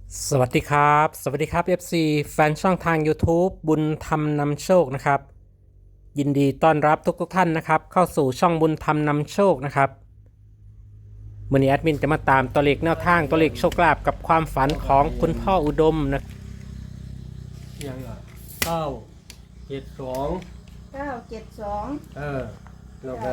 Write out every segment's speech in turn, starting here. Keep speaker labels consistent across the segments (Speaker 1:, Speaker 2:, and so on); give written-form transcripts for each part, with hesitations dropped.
Speaker 1: สวัสดีครับ สวัสดีครับ FC แฟนช่องทาง YouTube บุญธรรมนำโชคนะครับยินดีต้อนรับทุกท่านนะครับเข้าสู่ช่องบุญธรรมนำโชคนะครับมื่อนี้แอดมินจะมาตามตัวเลขแนวทางตัวเลขโชคลาภกับความฝันของคุณพ่ออุดมนะ
Speaker 2: ยัง972
Speaker 3: 972
Speaker 2: แล้วก็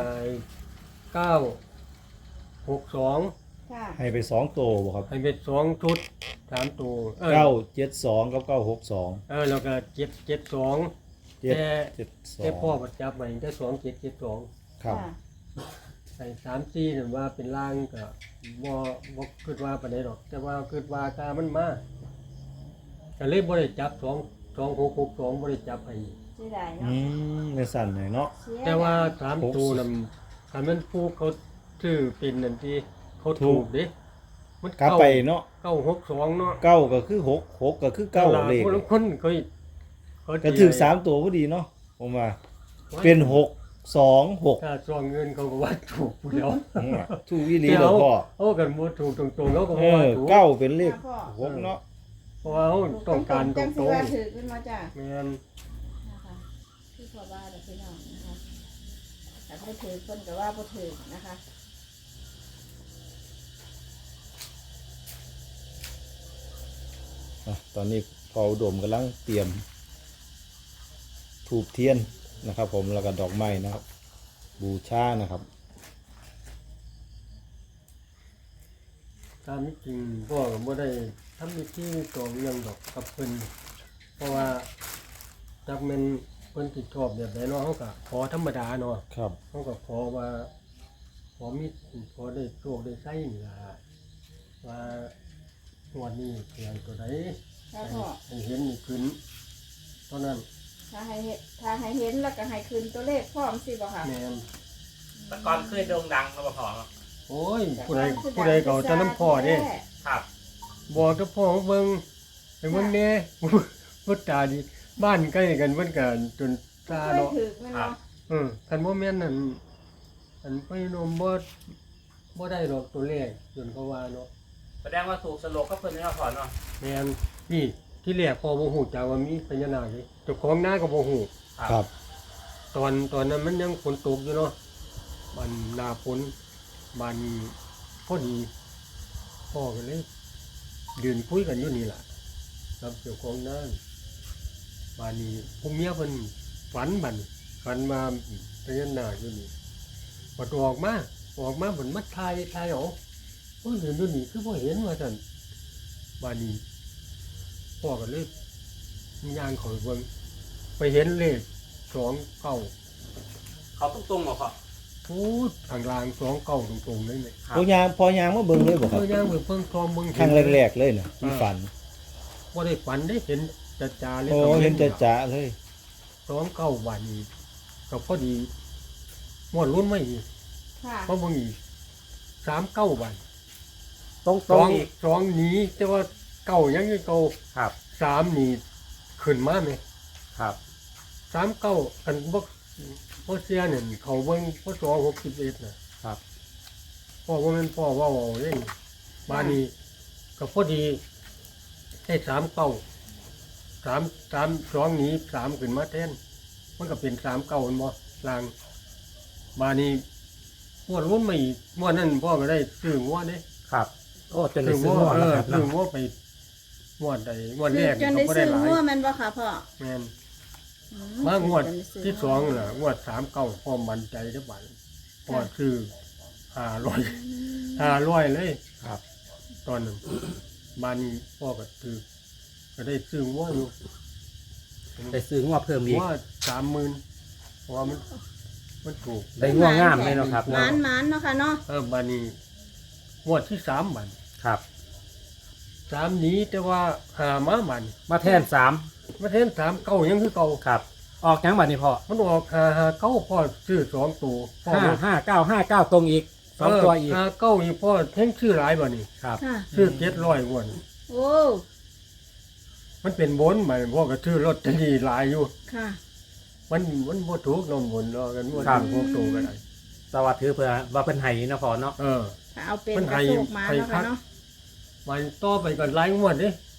Speaker 2: 962
Speaker 3: ค่ะ
Speaker 4: ให้ไป2 ตัวบ่ครับ
Speaker 2: ให้เป็น2ชุด3ตัว
Speaker 4: 972กับ962
Speaker 2: แล้วก็772แต่พ่อประจับไว้ได้2772
Speaker 4: ครับ
Speaker 3: ค่ะ
Speaker 2: ไอ้34นั่นว่าเป็นล่างก็บ่คิดว่าปานใดดอกแต่ว่าคิดว่าตามันมาก็เลยบ่ได้จับ2662บ่ได้จับให้
Speaker 3: เสียดาย
Speaker 4: อื
Speaker 3: เนาะ
Speaker 4: ในสั่นหน่อยเนาะ
Speaker 3: เสียดย
Speaker 2: แต่ว่า3ตัวนั้นถ้ามันผู้เขาชื่อเป็นนั่นที่เขาถูกเด้มัน
Speaker 4: กลับไปเนาะ
Speaker 2: 962เนาะ
Speaker 4: 9ก็คือ6 6ก็คือ9เลข
Speaker 2: คนเขา
Speaker 4: ก็ถึง3 ตัวพอดีเนาะผมว่าเป็น6 2 6
Speaker 2: ถ้าซองเงินเขาก็ว่าถูกอยู่แล้ว
Speaker 4: ถูกอีหลีแล้วพ่อ
Speaker 2: เอากันบ่ถูกตรงๆแล้วก็
Speaker 4: เอ
Speaker 2: ว่า
Speaker 4: อ
Speaker 2: ถูก
Speaker 4: 9เป็นเลข6เนาะ
Speaker 2: เพราะว่าเขาต้องการต
Speaker 3: จัง
Speaker 2: ร
Speaker 3: สิ
Speaker 2: ง
Speaker 3: ว่าถือขึ้นมาจ้ะ
Speaker 2: ๆแม่น
Speaker 3: นะคะที่พ่อว่าเด้อพี่น้องนะคะแต่บ่ถือเพิ่นก็ว่าบ่ถือนะคะ
Speaker 4: ตอนนี้พ่ออุดมกำลังเตรียมธูปเทียนนะครับผมแล้วก็ดอกไม้นะครับบูชานะครับ
Speaker 2: ตามจริงพ่อก็บ่ได้ทำพิธีตองเรื่องดอกกับเพิ่นเพราะว่าจักแม่นเพิ่นสิชอบแบบใดเนาะเฮาก็ขอธรรมดาเนาะ
Speaker 4: ครับ
Speaker 2: เขาก็ขอว่าขอมีขอได้โชคได้ไส้นี่ล่ะว่าวันนี้เพียงตัวใด
Speaker 3: ถ้าพ่อ
Speaker 2: ให้เห็นนี่ขึ้นเท่านั้น
Speaker 3: ถ้าให้เห็นแล้วก็ให้คืนตัวเลขพร้อมสิบ่ค่ะ
Speaker 2: แม่น
Speaker 1: แต่ก่อนเคยโด่งดังมาบ่พอ
Speaker 2: โอ้ยผู้ใดเก่าจะน้ำพ่อเด้
Speaker 1: ครับ
Speaker 2: บอกกับพ่อเบิ่งให้เบิ่งแหน่ พุทธาดีบ้านใกล้กันเพิ่นก็จนตา
Speaker 3: เคย
Speaker 2: เนาะ
Speaker 3: ถือแม่นเนาะ
Speaker 2: คันบ่แม่นนั่นอันไปโนมบ่ได้ดอกตัวเลขจนเขาว่าเนาะ
Speaker 1: แสดงว่าถูกสโลกก็เพิ่นแล้วพอเนาะ
Speaker 2: แม่นนี่ที่แรกพอบ่ฮู้จักว่ามีพญานาคนี่เจ้าของนาก็บ่ฮู้
Speaker 4: ครับ
Speaker 2: ตอนนั้นมันยังฝนตกอยู่เนาะมันหน้าฝนบันพอดีพ่อก็เลยยืนคุยกันอยู่นี่ล่ะกับเจ้าของนาบานนี้ผู้เมียเพิ่นฝันมาพญานาคอยู่นี่พอออกมาเหมือนมัดทายเอาโอ้ยยืนอยู่นี่คือบ่เห็นว่าซั่นบานนี้ พ่อก็เลยย่างเขาเบิ่งไปเห็นเลข29
Speaker 1: เขาตรงๆบ่พอ
Speaker 2: พูดทางลาง29ตรงๆเลยเนี่ย
Speaker 4: พอยางมาเบิ่งเลยบ่ครับ
Speaker 2: ย่างไปเพิ่งคลอมเบิ่ง
Speaker 4: ครั้งแรกๆเลยนะที่ฝัน
Speaker 2: บ่ได้ฝันได้เห็นจ่าๆเลย
Speaker 4: โอ้เห็นจะเลย
Speaker 2: 29บาทนี้ก็พอดีหมดรุ่นไม่อีก
Speaker 3: ค่ะ
Speaker 2: เพราะเบิ่งอีก39บาท
Speaker 1: ตรงๆอีก
Speaker 2: สองหนีแต่ว่าเก่ายังอยู่เก่า
Speaker 1: ครับ
Speaker 2: 3นี่ขึ้นมาไหม
Speaker 1: ครับ
Speaker 2: 39อันบ่เสียเนี่ยเขาเบิ่งพศ61น่ะ
Speaker 1: ครับ
Speaker 2: พ่อว่ามันพ่อว่าเอาเล่นบ้านนี้ก็พอดีให้3 2หนี3ขึ้นมาแทนมันก็เป็น39มันบ่ลางบ้านนี้งวดรุ่นมาอีกงวดนั้นพ่อก็ได้ซื้องวดเด้
Speaker 1: ครับ โอ้จนได้
Speaker 2: ซื้อ
Speaker 1: ซื้อง
Speaker 2: ว
Speaker 1: หม
Speaker 2: ด
Speaker 1: ดแล้วครับ
Speaker 2: ซื้อ
Speaker 1: เนาะ
Speaker 2: งวดไปงวดใดงวด
Speaker 3: ถื
Speaker 2: แร
Speaker 3: อก จน
Speaker 2: ก็
Speaker 3: ได้
Speaker 2: บ่
Speaker 3: ซื้
Speaker 2: ได้
Speaker 3: อ
Speaker 2: หลาย
Speaker 3: งัวแม่นบ่ค่ะพ่อ
Speaker 2: แม่น
Speaker 3: อื
Speaker 2: มางวด
Speaker 3: จนไซื้
Speaker 2: ที่สองน่ะงวด39พ่อมั่นใจเด้อบัดพ่อซื้อ500เลย
Speaker 1: ครับ
Speaker 2: ตอนนั้นบ้านนี้พ่อก็ถือก็ได้ซื้องัวอยู่
Speaker 1: ได้ซื้องวเพิ่มอีก
Speaker 2: ว่า30,000เพราะว่ามันถูก
Speaker 1: ได้งวงามเลยเนาะครับ
Speaker 3: หมานเนาะค่ะเนาะ
Speaker 2: บ้านนี้งวดที่3บัน
Speaker 1: ครับ
Speaker 2: 3นี้แต่ว่าหามาบัน
Speaker 1: มาแทน3
Speaker 2: มาเทน3เก่ายังคือเก่า
Speaker 1: ครับ ออกยังบัดนี้พ่อ
Speaker 2: มันออกหาเก้าพ่อซื้อ2ตัวพ่อ
Speaker 1: 559ตรงอีก2ตัวอีก
Speaker 2: หาเก้าอีกพ่อแท่งชื่อหลายบัดนี้
Speaker 1: ครับ
Speaker 3: ค่ะ
Speaker 2: ซื้อ700งวด
Speaker 3: โอ้
Speaker 2: มันเป็นบนบัดพ่อก็ซื้อลอตเตอรี่หลายอยู่
Speaker 3: ค่ะ
Speaker 2: มันบ่ถูกนำบนเนาะกันบ่
Speaker 1: ครั
Speaker 2: ถู
Speaker 1: บ
Speaker 2: กพวกตัวก็ได้
Speaker 1: สวัสดีเพื่อว่าเป็นไห้นะพ่อเนาะ
Speaker 3: ถ้าเอาเป็น
Speaker 2: มัน
Speaker 3: ก
Speaker 2: ให้
Speaker 3: ระโชกมา
Speaker 2: ให้
Speaker 3: เนาะ
Speaker 2: คั
Speaker 3: ค่ะ
Speaker 2: ก
Speaker 3: เนาะ
Speaker 2: มันต่อไปก็หลายงวดเด้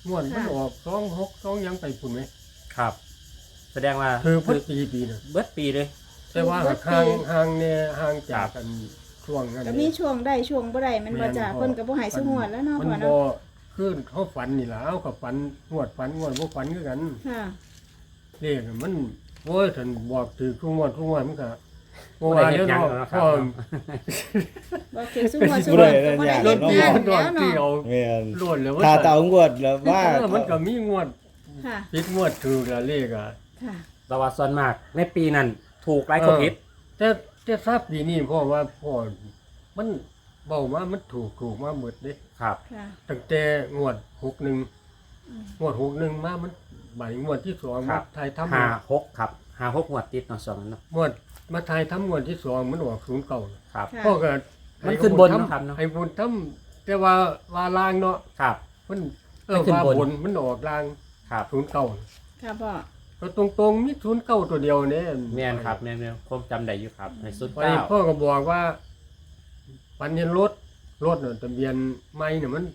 Speaker 2: งวดมันออก26ยังไปพุ่นไหม
Speaker 1: ครับ แสดงว่า
Speaker 2: คือพุ่นปีน่ะ
Speaker 1: เบิดปีเลย
Speaker 2: แต่ว่าห่างเนี่ยห่างจากกันช่วงนั้น
Speaker 3: ก็มีช่วงได้ช่วงบ่ได้มันบ่จ้าเพิ่นก็บ่ให้ซุงวดแล้วเนาะ
Speaker 2: มั
Speaker 3: พ่อ
Speaker 2: บ่
Speaker 3: เนาะ
Speaker 2: คือเขาฝันนี่ล่ะเอากับฝันงวดบ่ฝันคือกัน
Speaker 3: ค่ะ
Speaker 2: เลขมันโอ้ยท่านบอกถือทุกงวดมันก็บ่ว่าเด้อเนาะพ่อ
Speaker 3: บ่คือซุงวดซุงวดก็บ่ได้
Speaker 2: ร
Speaker 3: เฮ็
Speaker 2: ถ
Speaker 3: ด
Speaker 2: ปี
Speaker 3: งาน
Speaker 2: มันดอ
Speaker 3: แล้
Speaker 2: ก
Speaker 3: ว
Speaker 2: ที่
Speaker 3: เนาะ
Speaker 2: เอา
Speaker 4: แม่น
Speaker 2: ล้วนแล้ว
Speaker 4: ถ้าเตางวดแล้วว่า
Speaker 2: มันก็มีงวด
Speaker 3: ค่ะ
Speaker 2: ผิดงวดถูกแล้วเลขอ่ะ
Speaker 3: ค่ะ
Speaker 1: แต่ว่าส่วนมากในปีนั้นถูกหลายคนผิด
Speaker 2: แต่ทราบปีนี้พ่อว่าพ่อมันเบามามันถูกมาหมดเด้
Speaker 1: ครับ
Speaker 3: ค่ะ
Speaker 2: ตั้งแต่งวด61งวด61มามันบ่ายงวดที่2
Speaker 1: ค
Speaker 2: มา
Speaker 1: รับ
Speaker 2: ทายทำ
Speaker 1: 56ครับ56งวดติดเนาะช่วงนั้นเนาะ
Speaker 2: งวดมาทายทำงวดที่2มันออก09
Speaker 1: ครับ
Speaker 3: ค่ะ
Speaker 2: พ่อก็
Speaker 1: มันขึ้นบนเนาะครับเนาะ
Speaker 2: ให้บุญทำแต่ว่าลางเนาะ
Speaker 1: ครับ
Speaker 2: มัน
Speaker 1: มันขึ้น
Speaker 2: ว่า
Speaker 1: บน
Speaker 2: บนมันออกลาง
Speaker 1: ครับ
Speaker 2: 09
Speaker 3: ค่ะพ่อ
Speaker 2: ก็ตรงๆมี09ตัวเดียวเนี่ย
Speaker 1: แม่นครับแม่นๆผมจำได้อยู่ครับในสุด
Speaker 2: วันนี้พ่อ
Speaker 1: 9
Speaker 2: ก็บอกว่าปันเห็นรถเนี่ยทะเบียนไม่เนี่ยมัน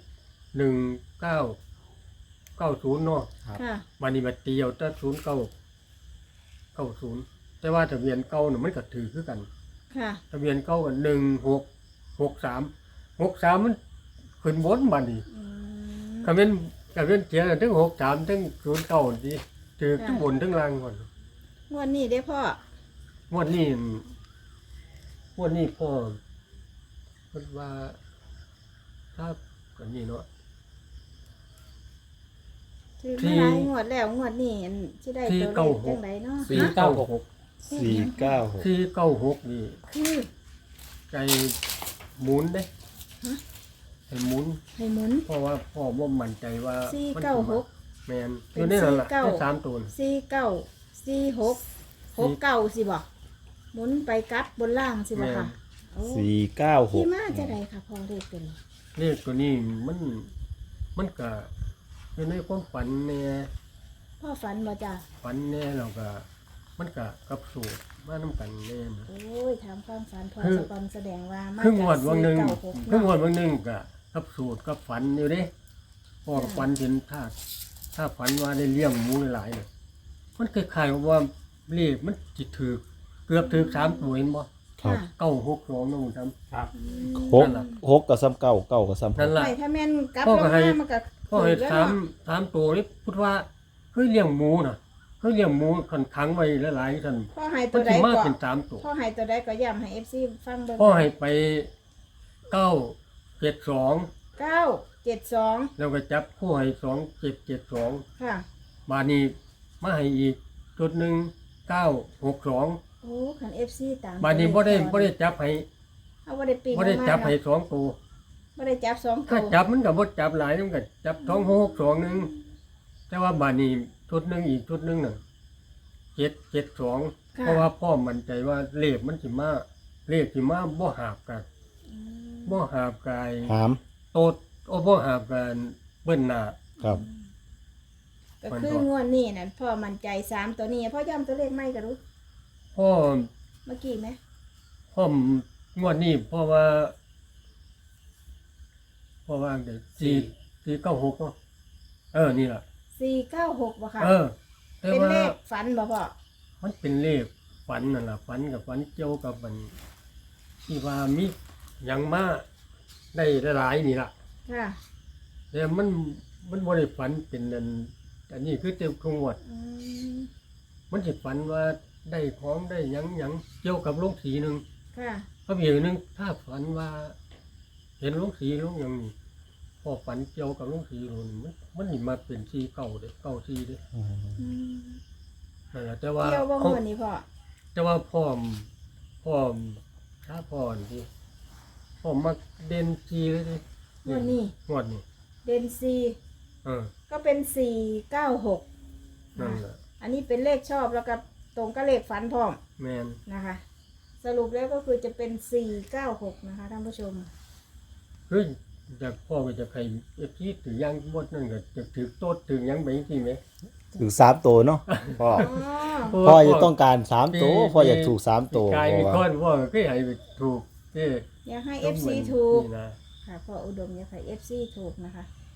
Speaker 2: 1990เนาะ
Speaker 3: ค่ะ
Speaker 2: วันนี้มาเตียวแต่0990แต่ว่าทะเบียนเก่าเนี่ยมันก็ถือคือกัน
Speaker 3: ค่ะ
Speaker 2: ทะเบียนเก่ากัน1663มันขึ้นบนบัดนี้
Speaker 3: อืม
Speaker 2: ก็เป็นเสียทั้ง63ทั้ง09นี่ถือทั้งบนทั้งล่างก่อน
Speaker 3: งวดนี้เด้พ่อง
Speaker 2: วดนี้พ่อเพิ่นว่าถ้ากันนี้เนาะ
Speaker 3: ถือมาหลายงวดแล้วงวดนี้อันสิได้ตัวเลขจังไดเนาะ
Speaker 1: 496
Speaker 2: 496นี่
Speaker 3: คือ
Speaker 2: ใจหมุนเด้
Speaker 3: ฮะ
Speaker 2: ให้หมุน
Speaker 3: ให้หมุน
Speaker 2: เพราะว่าพ่อบ่มั่นใจว่ามันสิมา
Speaker 3: 496
Speaker 2: แม่นอยู่ในนั้นล่ะ
Speaker 3: เป็น
Speaker 2: ได้3ตัว
Speaker 3: 49 46 69สิบ่หมุนไปกลับบนล่างสิบ่ค่ะโอ้ ที่มาจะได้ค่ะพ่อเลขตัวนี้
Speaker 2: เลขตัวนี้มันก็อยู่ในความฝันแน่
Speaker 3: พ่อฝันบ่จ้ะ
Speaker 2: ฝันแน่แล้วก็มันก็กับสูตรมานํกันแน่นะ
Speaker 3: โอ้ยถามความฝันพ่อ
Speaker 2: คือ
Speaker 3: สปอนแสดงว่ามา
Speaker 2: ครึ่งวันวันหนึ่ง
Speaker 3: 496
Speaker 2: ครึ่งวัน
Speaker 3: เนาะ
Speaker 2: วันหนึ่งก็กับสูตรกับฝันอยู่เด้พอฝันเห็นถ้าฝันว่าได้เลี้ยงหมูหลายๆเนี่ยมันคล้ายๆกับว่าเลขมันจิถือเกือบถือ3ตัวเห็นบ่
Speaker 4: ครับ
Speaker 2: 962นะผมจำ
Speaker 1: ครับ
Speaker 4: หกหกกับซ้ำเก้าเก้ากับซ้ำห
Speaker 2: นั่
Speaker 4: ก
Speaker 2: นล่ะ
Speaker 3: ไม่ถ้าแม่นกลับ
Speaker 2: พ่อ
Speaker 3: ล
Speaker 2: ก็
Speaker 3: ง
Speaker 2: ให้
Speaker 3: มามันก็
Speaker 2: พ่อให้
Speaker 3: แล้ว
Speaker 2: สาม
Speaker 3: เนาะ
Speaker 2: สามตัวนี่พูดว่าเฮ้ยเลี้ยงหมูน่ะเฮ้ยเลี้ยงหมูคันขังไว้หลายๆท่าน
Speaker 3: พ่อให้
Speaker 2: มั
Speaker 3: ตัวน ใด
Speaker 2: สิมา
Speaker 3: ก็
Speaker 2: เป็น3ตัว
Speaker 3: พ่อให้ตัวใดก็ย้ำให้ FC ฟังเบิ่ง
Speaker 2: พ่อให้ไป972
Speaker 3: 972
Speaker 2: แล้วก็จับคู่ให้2772
Speaker 3: ค่ะ
Speaker 2: บาดนี้มาให้อีกจุดหนึ่ง962
Speaker 3: โอ้คัน FC ตาม
Speaker 2: บาดนี้บ่ได้จับให้
Speaker 3: เอาบ่ได้ปีน
Speaker 2: บ่ได้จับให้
Speaker 3: เนาะ
Speaker 2: สองตัว
Speaker 3: บ่ได้จับ2
Speaker 2: ถ้า
Speaker 3: ตัว
Speaker 2: จับมันก็บ่จับหลายมันก็จับ2662นึงแต่ว่าบาดนี้ชุดหนึงอีกชุดหนึงน่ะ772เพราะว่าพ่อมั่นใจว่าเลขมันสิมาบ่หาบกัน
Speaker 3: อืม
Speaker 2: บ่หาบกาย
Speaker 4: หาม
Speaker 2: โตดบ่หาบกันเบิ้นหน้า
Speaker 4: ครับ
Speaker 3: ก็คืองวดนี้นั่นพ่อมั่นใจ3ตัวนี้พ่อย้ำตัวเลขไม่ก็รู้
Speaker 2: พ่อ
Speaker 3: เมื่อกี้ไหม
Speaker 2: พ่องวดนี้เพราะว่าเดี๋ยว496เนาะนี่ล่ะ
Speaker 3: 496บ่ค่ะ
Speaker 2: แต่
Speaker 3: เป็น
Speaker 2: ว่า
Speaker 3: เลขฝันบ่พ่อ
Speaker 2: มันเป็นเลขฝันนั่นล่ะฝันกับฝันเกี่ยวกับมันที่ว่ามีหยังมาได้หลายๆนี่ล่ะ
Speaker 3: ค่ะ
Speaker 2: แต่มันบ่ได้ฝันเป็นอันนี้คือเต็มคงวด
Speaker 3: อืม
Speaker 2: มันสิฝันว่าได้ของได้หยังเกี่ยวกับโรงสีหนึง
Speaker 3: ค่ะ
Speaker 2: ก็มีอย่างหนึงถ้าฝันว่า เห็นโรงสีโรงหยังนี่พอฝันเกี่ยวกับโรงสีโรงนี่มันสิมาเป็นสีเก่าเด้เก่าสีเด้
Speaker 3: อืม
Speaker 2: นั่นแหละแต่ว่า
Speaker 3: เที่ยวบ่งวดนี้พ่อ
Speaker 2: แต่ว่าพ่อถ้าพ่อนี่พ่อมักเด่นสีเลยดิ
Speaker 3: งวดนี้
Speaker 2: งวดนี่
Speaker 3: เดนซี
Speaker 2: เออ
Speaker 3: ก็เป็น496
Speaker 2: นั่นแหละ
Speaker 3: อันนี้เป็นเลขชอบแล้วก็ตรงกับเลขฝันพร้อม
Speaker 2: แมน
Speaker 3: นะคะ สรุปแล้วก็คือจะเป็น496นะคะท่านผู้ชม
Speaker 2: คือจากพ่อก็จะใครเอฟซีถือยังบดนั่นก็จะถือโต๊ดถือยังไปจริงไหม
Speaker 4: ถึงสามตัวเนาะพ่อ
Speaker 3: อ๋อ
Speaker 4: พ่อจะต้องการสามตัวพ่ออยากถูกสามตัว
Speaker 2: กายมี
Speaker 4: พ่อ
Speaker 2: ก้อ
Speaker 4: ว่า
Speaker 2: นพ่อก็ให้ไปถูกเอ้
Speaker 3: อยากให้ FC ถูก
Speaker 2: นี่นะ
Speaker 3: ค่ะพ่ออุดมอยากให้ FC ถูกนะคะ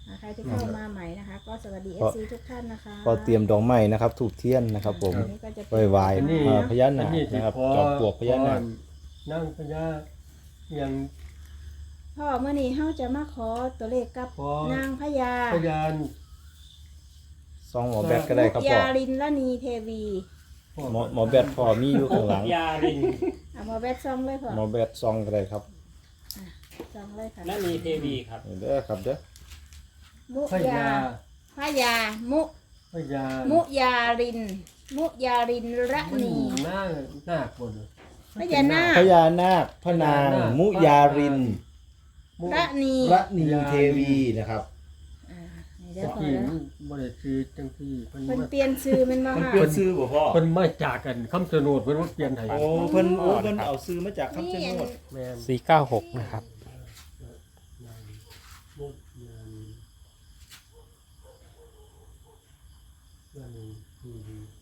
Speaker 3: ใครที่เข้ามาใหม่นะคะ ก็สวัสดี
Speaker 4: ก็
Speaker 3: FC ทุกท่านนะคะ
Speaker 4: ก็เตรียมดอกไม้นะครับถูกเทียนนะครับ ผม
Speaker 3: อันนี้ก็จะ
Speaker 4: ไหว้ไหว้
Speaker 2: อันนี้
Speaker 4: พญานาค
Speaker 2: อัสิ
Speaker 4: นะครับ
Speaker 2: ขอ
Speaker 4: จอมปลวกพญานาค
Speaker 2: นั่งพญาอย่าง
Speaker 3: พ่อเมื่อนี้เฮาจะมาขอตัวเลขกับ
Speaker 2: ขอ
Speaker 3: นางพญา
Speaker 2: พยาน
Speaker 4: ซองหมอแบทก็ได้ครับ
Speaker 3: มุก
Speaker 4: พ่อย
Speaker 3: าลินละนีเทวี
Speaker 4: หมอแบทพ่อมีอยู่ข้างหลัง
Speaker 1: ยาริน
Speaker 3: เอามาแวดซองเลยพ่อ
Speaker 4: หมอแบทซองก็ได้ครับ
Speaker 3: ซองเลยค่ะ
Speaker 1: และมีเทวีครับ
Speaker 4: เด้อครับเด้อ
Speaker 3: มุ
Speaker 2: พ
Speaker 3: ยาย
Speaker 2: า
Speaker 3: พญามุ
Speaker 2: พยาน
Speaker 3: มุยาลิน มุยาลินระ
Speaker 2: มัน
Speaker 3: นี
Speaker 2: หน้าหน้าคน
Speaker 3: พญานาค
Speaker 4: พญานาคพระนางมุยาริน
Speaker 3: ระนี
Speaker 4: ระนีเทวีนะครับ
Speaker 3: อ่านี่เด้อ
Speaker 2: ตะ
Speaker 3: พ่อ
Speaker 2: กี้
Speaker 3: แล้ว
Speaker 2: มันบ่ได้ซื้อจังซี่เพิ่น
Speaker 3: เพิ่น
Speaker 2: มา
Speaker 3: เปลี่ยนชื่อมันมา
Speaker 4: มัน
Speaker 3: ค่ะ
Speaker 4: เปลี่ยนซื้อบ่พ่อ
Speaker 2: เพิ่นมาจากกันคำสนดเพิ่นมาเปลี่ยนให้
Speaker 4: โอ้เพิ่นเอาซื้อมาจากคำชะโนด
Speaker 2: แม่น
Speaker 1: 496 นะครับ
Speaker 2: มุดยานนั่นนี่